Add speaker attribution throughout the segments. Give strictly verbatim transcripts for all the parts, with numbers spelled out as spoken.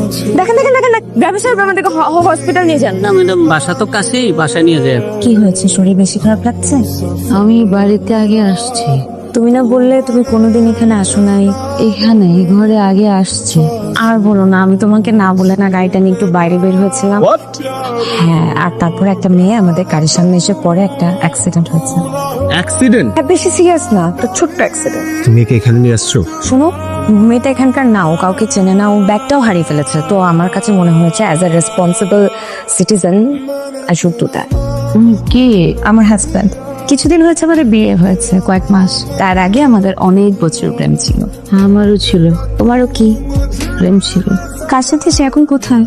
Speaker 1: দেখেন দেখেন দেখেন না, ব্যবসার আমাদেরকে হসপিটাল নিয়ে যান।
Speaker 2: না ম্যাডাম, বাসা তো কাছেই, বাসা নিয়ে যায়।
Speaker 1: কি হয়েছে, শরীর বেশি খারাপ লাগছে?
Speaker 2: আমি বাড়িতে আগে আসছি।
Speaker 1: তুমি না বললে তুমি কোনোদিন এখানে আসো নাই?
Speaker 2: এখানে এই ঘরে আগে আসছি।
Speaker 1: আর বলো না, আমি তোমাকে না বলে না গাড়িটা নিয়ে একটু বাইরে বের হয়েছিলাম। হ্যাঁ, আর তারপর একটা মেয়ে আমাদের গাড়ির সামনে এসে পরে একটা অ্যাক্সিডেন্ট হয়েছে।
Speaker 3: অ্যাক্সিডেন্ট?
Speaker 1: হ্যাঁ, বেশি সিরিয়াস না, তো ছোট্ট অ্যাক্সিডেন্ট।
Speaker 3: তুমি কি এখানে নিয়ে আসছো?
Speaker 1: শোনো, মেয়েটা এখানকার না, ও কাউকে চেনে না, ও ব্যাগটাও হারিয়ে ফেলেছে। তো আমার কাছে মনে হয়েছে as a responsible citizen I should do that.
Speaker 2: তুমি কে?
Speaker 1: আমার হাজব্যান্ড। কিছুদিন হয়েছে আমাদের বিয়ে হয়েছে, কয়েক মাস। তার আগে আমাদের অনেক বছর প্রেম ছিল।
Speaker 2: আমারও ছিল।
Speaker 1: তোমারও কি
Speaker 2: প্রেম ছিল?
Speaker 1: কার সাথে? সে এখন কোথায়?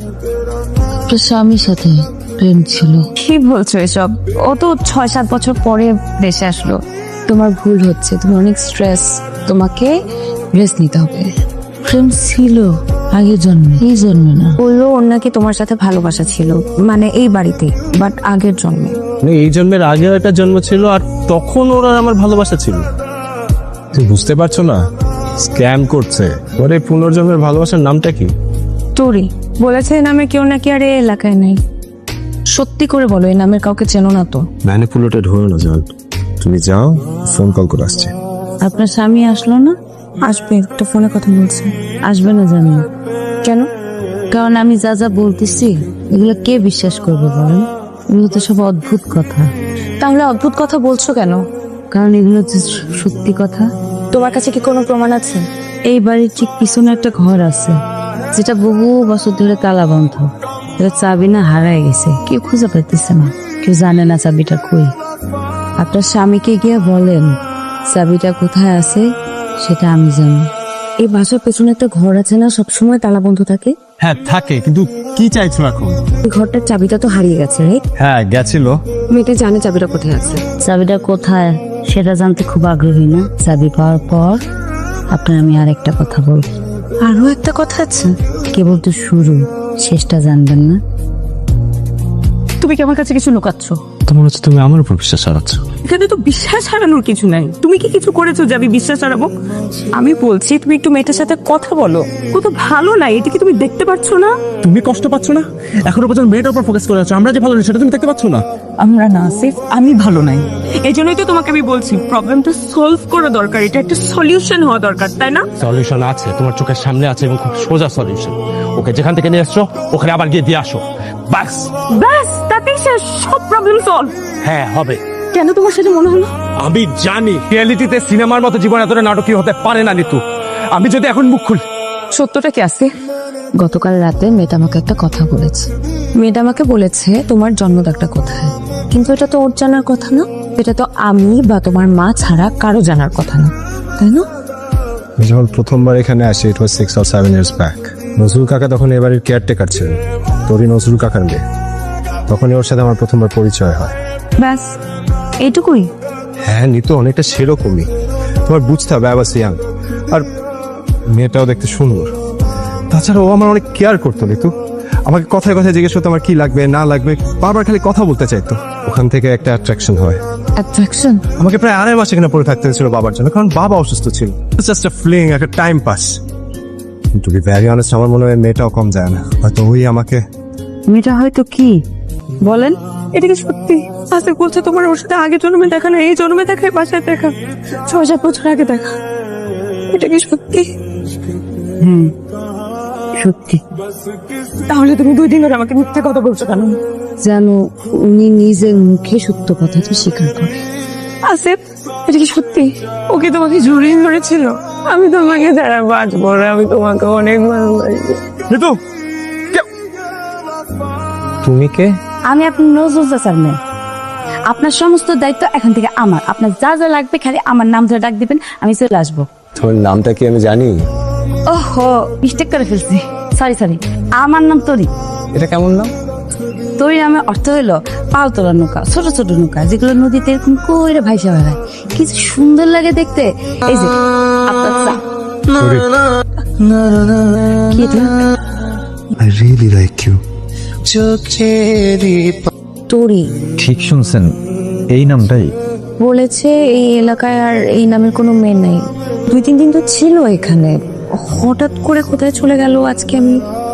Speaker 2: তো স্বামীর সাথে প্রেম ছিল।
Speaker 1: কি বলছো এসব? ও তো ছয় সাত বছর পরে দেশে আসলো।
Speaker 2: তোমার ভুল হচ্ছে, তুমি অনেক স্ট্রেস, তোমাকে রেস্ট নিতে হবে। প্রেম ছিল আগের জন্মে, এই জন্মে না।
Speaker 1: বললো ওর নাকি তোমার সাথে ভালোবাসা ছিল, মানে এই বাড়িতে, বাট আগের জন্মে।
Speaker 3: মানে এই জন্মের আগে একটা জন্ম ছিল, আর তখন ওরা আমার ভালোবাসা ছিল। তুমি বুঝতে পারছো না? স্ক্যাম করছে। ওর এই পুনর্জন্মের ভালোবাসার নামটা কি?
Speaker 1: তোরি বলেছে এই নামে কেউ নাকি আর এই এলাকায় নেই। সত্যি করে বলো, এই নামের কাউকে চেনো না তো?
Speaker 3: ম্যানিপুলেটেড হয়ে না যান, তুমি যাও, ফোন কল করে আসছে।
Speaker 2: আপনার স্বামী আসলো না?
Speaker 1: আসবে, একটা ফোনে কথা বলছে।
Speaker 2: আসবে না জানি।
Speaker 1: কেন?
Speaker 2: কারণ আমি যা যা বলতেছি এগুলো কে বিশ্বাস করবে বলেন? এগুলো তো সব অদ্ভুত কথা।
Speaker 1: তাহলে অদ্ভুত কথা বলছো কেন?
Speaker 2: কারণ এগুলো হচ্ছে সত্যি কথা।
Speaker 1: তোমার কাছে কি কোনো প্রমাণ আছে?
Speaker 2: এই বাড়ির ঠিক পিছনে একটা ঘর আছে, যেটা বহু বছর ধরে তালা বন্ধ। এটা চাবি না হারায় গেছে, কেউ খুঁজে পাইতেছে না, কেউ জানে না চাবিটা কই। আপনার স্বামীকে গিয়ে বলেন চাবিটা কোথায় আছে সেটা আমি জানি।
Speaker 1: এই বাসার পেছনে একটা ঘর আছে না, সবসময় তালা বন্ধ থাকে?
Speaker 3: হ্যাঁ থাকে, কিন্তু কি চাইছো এখন?
Speaker 1: এই ঘরটার চাবিটা তো হারিয়ে গেছে, রাইট?
Speaker 3: হ্যাঁ গেছিল।
Speaker 1: মেয়েটা জানে চাবিটা কোথায় আছে।
Speaker 2: চাবিটা কোথায় সেটা জানতে খুব আগ্রহী না? চাবি পাওয়ার পর আপনার আমি আর একটা কথা বলব।
Speaker 1: আরো একটা কথা আছে?
Speaker 2: কেবল তো শুরু, শেষটা জানবেন না।
Speaker 1: তুমি কি আমার কাছে কিছু লুকাচ্ছ?
Speaker 3: তো মনে হচ্ছে তুমি আমার উপর বিশ্বাস হারাচ্ছ।
Speaker 1: এখানে তো বিশ্বাস হারানোর কিছু নাই। তুমি কি কিছু করেছো যে আমি বিশ্বাস হারাবো? আমি বলছি তুমি একটু মেয়েটার সাথে কথা বলো। কত ভালো না, এটা কি তুমি দেখতে পাচ্ছ না?
Speaker 3: তুমি কষ্ট পাচ্ছ না? এখনো পর্যন্ত মেয়েটার উপর ফোকাস করে আছো, আমরা যে ভালো নেই সেটা তুমি দেখতে পাচ্ছ না?
Speaker 1: আমরা না, সিফ আমি ভালো নাই। এই জন্যই তো তোমাকে আমি বলছি প্রবলেমটা সলভ করা দরকার, এটা একটা সলিউশন হওয়া দরকার, তাই না?
Speaker 3: সলিউশন আছে, তোমার চোখের সামনে আছে, এবং খুব সোজা সলিউশন। ওকে যেখান থেকে নিয়ে আসছো ওখানে আবার গিয়ে দিয়ে আসো, বাস।
Speaker 1: ব্যাস, তাতেই শেষ, সব প্রবলেম সলভ।
Speaker 3: হ্যাঁ হবে।
Speaker 1: কেন তোমার সাথে মনে হলো?
Speaker 3: আমি জানি রিয়েলিটিতে সিনেমার মতো জীবন এতটা নাটকীয় হতে পারে না নিতু। আমি যদি এখন মুখ খুলি।
Speaker 1: সত্যটা কি আছে?
Speaker 2: গতকাল রাতে মেয়েটা আমাকে একটা কথা বলেছে।
Speaker 1: মেয়েটা আমাকে বলেছে তোমার জন্মদাগটা কোথায়, কিন্তু এটা তো ওর জানার কথা না। এটা তো আমি বা তোমার মা ছাড়া কারো জানার কথা না, তাই না?
Speaker 4: যখন প্রথমবার এখানে আসি, it was six or seven years back. Nazrul কাকা তখন এবারের কেয়ারটেকার ছিলেন, তোরই নজরুল কাকার মেয়ে। তখনই ওর সাথে আমার প্রথমবার পরিচয় হয়।
Speaker 1: ব্যাস এইটুকুই?
Speaker 4: হ্যাঁ নিতু, অনেকটা সেরকমই। তোমার বুঝতে হবে, আই ওয়াজ ইয়াং, আর মেয়েটাও দেখতে সুন্দর। তাছাড়া ও আমার অনেক কেয়ার করতো নিতু। আমাকে কথায় কথায় জিজ্ঞেস করতো আমার কি লাগবে না লাগবে, বারবার খালি কথা বলতে চাইতো। ওখান থেকে একটা অ্যাট্রাকশন হয়।
Speaker 1: অ্যাট্রাকশন?
Speaker 4: আমাকে প্রায় আড়াই মাস এখানে পড়ে থাকতে হয়েছিল বাবার জন্য, কারণ বাবা অসুস্থ ছিল। জাস্ট আ ফ্লিং, একটা time pass. To be very honest, আমার মনে হয় মেয়েটাও কম যায় না। হয়তো ওই আমাকে।
Speaker 2: মেয়েটা হয়তো কি বলেন?
Speaker 1: এটা কি সত্যি? আসিফ বলছে তোমার ওর সাথে আগে জন্মে দেখা না, এই জন্মে দেখা, বাসায় দেখা, ছয় সাত বছর আগে দেখা। এটা কি সত্যি?
Speaker 2: হুম সত্যি।
Speaker 1: তাহলে তুমি দুই দিন ধরে আমাকে মিথ্যা কথা বলছো কেন?
Speaker 2: জানো, উনি নিজের মুখে সত্য কথাটা স্বীকার করে।
Speaker 1: আসিফ, এটা কি সত্যি? ওকে তোমাকে জড়িয়ে ধরেছিল? আমি তোমাকে যারা বাঁচবো না, আমি তোমাকে অনেক ভালোবাসি।
Speaker 4: নিতু, তুমি কে?
Speaker 2: আমি আপনার নজরুল চাচার মেয়ে। আপনার সমস্ত দায়িত্ব এখন থেকে আমার। আপনার যা যা লাগবে খালি আমার নাম ধরে ডাক দিবেন, আমি চলে আসবো।
Speaker 4: তোমার নামটা কি আমি জানি?
Speaker 2: ওহো, মিস্টেক করে ফেলছি, সরি সরি। আমার নাম তরি।
Speaker 4: এটা কেমন নাম?
Speaker 2: তরি নামে অর্থ হইলো পাল তোলা নৌকা, ছোট ছোট নৌকা যেগুলো নদীতে এরকম কইরে ভাইসা বেড়ায়, কিছু সুন্দর লাগে দেখতে। এই যে আপনার চা। কি এটা?
Speaker 4: I really like you.
Speaker 1: তোরি
Speaker 5: ঠিক শুনছেন, এই নামটাই
Speaker 1: বলেছে এই এলাকায় আর এই নামের কোনো মেয়ে নেই। দুই তিন দিন তো ছিল এখানে, হঠাৎ করে কোথায় চলে গেল আজকে আমি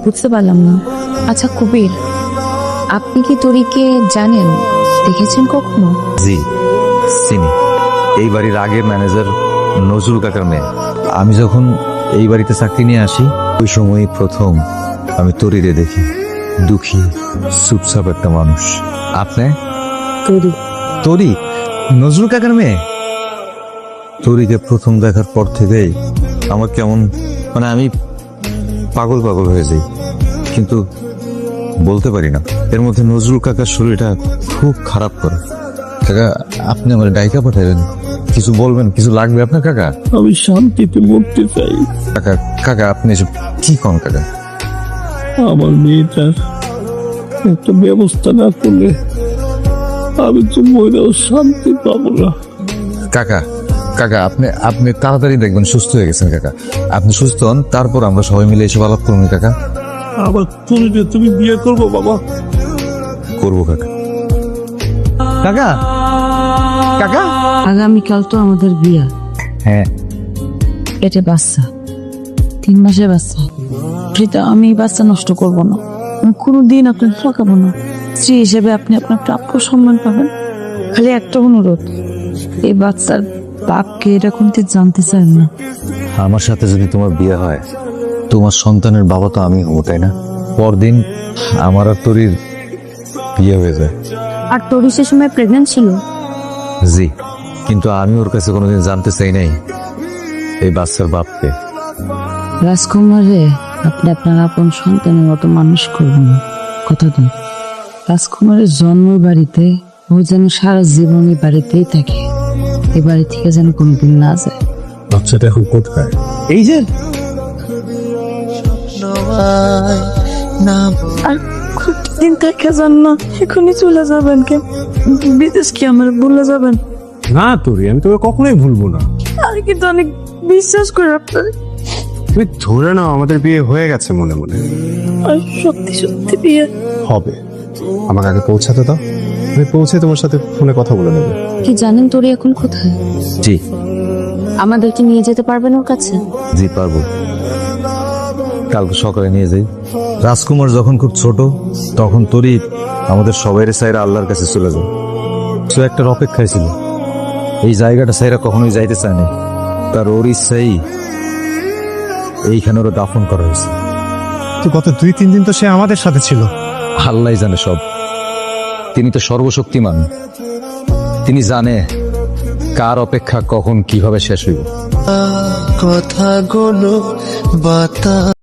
Speaker 2: বুঝতে পারলাম না।
Speaker 6: আচ্ছা কবির, আপনি কি তরিকে জানেন, দেখেছেন কখনো?
Speaker 5: জি চিনি, এই বাড়ির আগের ম্যানেজার নজরুল কাকার মেয়ে। আমি যখন এই বাড়িতে চাকরি নিয়ে আসি ওই সময়ই প্রথম আমি তরিরে দেখি। দুঃখী চুপচাপ একটা মানুষ। আপনি?
Speaker 2: তরি
Speaker 5: তরি নজরুল কাকার মেয়ে? তরিকে প্রথম দেখার পর থেকেই আমার কেমন মানে আমি পাগল পাগল হয়ে যাই, কিন্তু বলতে পারি না। এর মধ্যে নজরুল কাকার শরীরটা খুব খারাপ করে। কাকা আপনি আমার ডাইকা পাঠাবেন, কিছু বলবেন, কিছু লাগবে আপনার কাকা?
Speaker 3: আমি শান্তিতে মরতে চাই।
Speaker 5: কাকা কাকা আপনি এসব কি কন কাকা?
Speaker 3: আমার মেয়েটার একটা ব্যবস্থা না করলে আমি তো মরেও শান্তি পাবো না।
Speaker 5: কাকা কাকা আপনি আপনি তাড়াতাড়ি দেখবেন সুস্থ হয়ে গেছেন কাকা। আপনি সুস্থ হন, তারপর আমরা সবাই মিলে এসব আলাপ করুন কাকা।
Speaker 3: আবার তুমি যে তুমি বিয়ে করবো বাবা?
Speaker 5: করবো কাকা। কাকা কাকা
Speaker 2: আগামীকাল তো আমাদের বিয়া।
Speaker 5: হ্যাঁ
Speaker 2: পেটে বাচ্চা, তিন মাসের বাচ্চা। প্রীতা, আমি এই বাচ্চা নষ্ট করব না, আমি কোনোদিন আপনাকে ঠকাবো না। স্ত্রী হিসেবে আপনি আপনার প্রাপ্য সম্মান পাবেন। খালি একটা অনুরোধ, এই বাচ্চার বাপকে এটা কোনতে জানতে চান না।
Speaker 5: আমার সাথে যদি তোমার বিয়ে হয়, তোমার সন্তানের বাবা তো আমি হবো, তাই না? পরদিন আমার আর তোর বিয়ে হয়ে যায়।
Speaker 2: আর তোরই সে সময় প্রেগনেন্ট ছিল?
Speaker 5: জি, কিন্তু আমি ওর কাছে কোনোদিন জানতে চাই নাই এই বাচ্চার বাপকে।
Speaker 2: রাজকুমারে আপনি আপনার আপন সন্তানের মতো মানুষ করবেন, কথা দিন। রাজকুমারের জন্ম বাড়িতে, ও যেন সারা জীবন এই বাড়িতেই থাকে, এ বাড়ি থেকে যেন কোনোদিন না যায়।
Speaker 3: বাচ্চাটা এখন কোথায়?
Speaker 4: এই যে
Speaker 2: আর দিন থেকে যান না, এখনই চলে যাবেন কেন? বিদেশ কি আমার ভুলে যাবেন?
Speaker 3: না তোরে, আমি তোকে কখনোই ভুলবো না।
Speaker 2: আমি কিন্তু অনেক বিশ্বাস করি আপনার,
Speaker 4: তুমি ধরে নাও আমাদের বিয়ে হয়ে গেছে মনে মনে।
Speaker 2: আর সত্যি সত্যি বিয়ে
Speaker 4: হবে, আমাকে আগে পৌঁছাতে দাও, আমি পৌঁছে তোমার সাথে ফোনে কথা বলে নেবো।
Speaker 2: কি জানেন তোর এখন কোথায়?
Speaker 5: জি
Speaker 2: আমাদেরকে নিয়ে যেতে পারবেন ওর কাছে?
Speaker 5: জি পারবো, কালকে সকালে নিয়ে যাই। রাজকুমার যখন খুব ছোট তখন তোরই আমাদের সবাই সাইরা আল্লাহর কাছে চলে যায়। সে একটা অপেক্ষায় ছিল, এই জায়গাটা সাইরা কখনোই যাইতে চায় না। তার ওর ইচ্ছাই এইখানে ওরা দাফন করা হয়েছে।
Speaker 4: তো গত দুই তিন দিন তো সে আমাদের সাথে ছিল।
Speaker 5: আল্লাহ জানে সব, তিনি তো সর্বশক্তিমান, তিনি জানে কার অপেক্ষা কখন কিভাবে শেষ হইব।
Speaker 7: কথাগুলো বাতা